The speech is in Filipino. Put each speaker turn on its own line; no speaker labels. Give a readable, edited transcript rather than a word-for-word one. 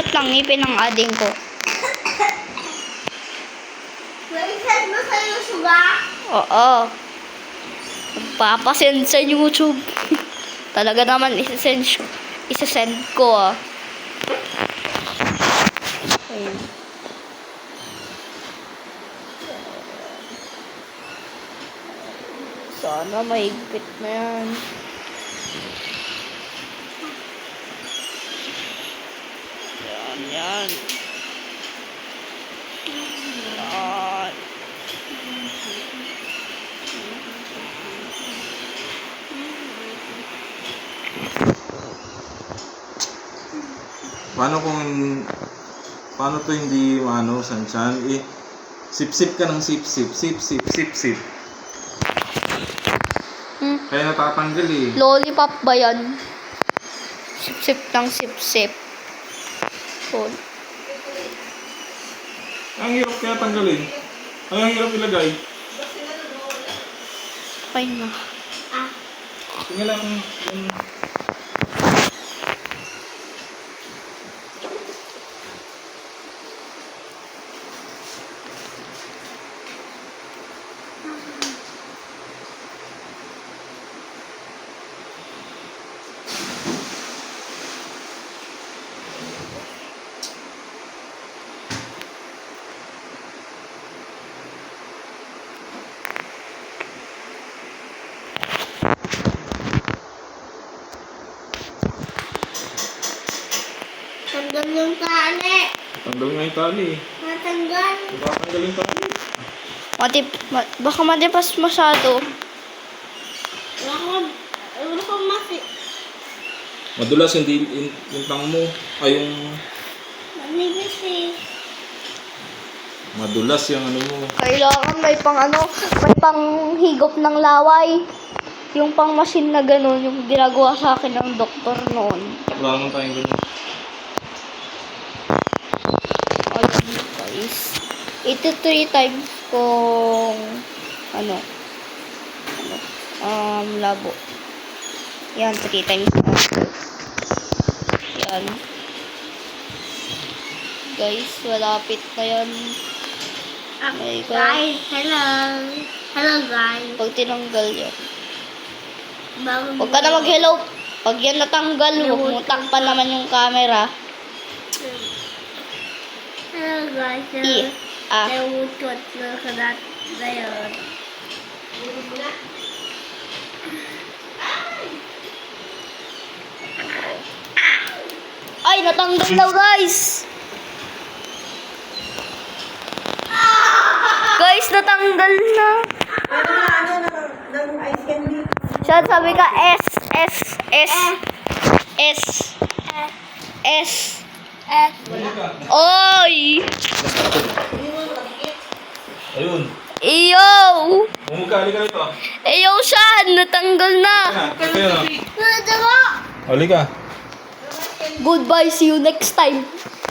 Sumusot lang ngipin ng ading ko.
Nag-send mo sa YouTube ba?
Oo. Magpapasend sa YouTube. Talaga naman isasend ko ah. Ayun. Sana mahigpit na yan. Yan, yan. Yan.
Paano to hindi Sanchan? Sip-sip ka ng sip-sip, sip-sip. Kaya natatanggal eh.
Lollipop ba yan? Sip-sip ng sip-sip. Oh.
Ang hirap kaya tanggalin. Ang hirap ilagay.
Okay na.
Tingnan lang
Tanggal yung tali.
tanggal nga yung tali.
Matanggal.
Tatanggal yung tali.
Baka matipas masyado.
Wala ko masi.
Madulas yung tang mo. Ay yung
Manibis eh.
madulas yung ano mo.
Kailangan may panghigop ng laway. Yung pang machine na gano'n, yung ginagawa sa akin ng doktor noon.
Wala naman tayong ganun.
Ayun guys. Ito 3 times kung labo. Yan, 3 times na. Yan. Guys, malapit na yan. Okay,
Guys, hello. Hello guys.
Pag tinanggal yan.
Bago
Huwag ka na mag-hello. Pag yan natanggal, huwag mo takpan naman yung camera.
Hello guys. Nawutot na kadat na yun.
Ay, natanggal daw guys! Guys, natanggal na. Siya, sabi ka S. Oy!
Ayun.
Iyo!
Bumukali ka rito.
Iyo siya! Natanggal na!
Ito yun.
Diba?
Halika.
Goodbye, see you next time.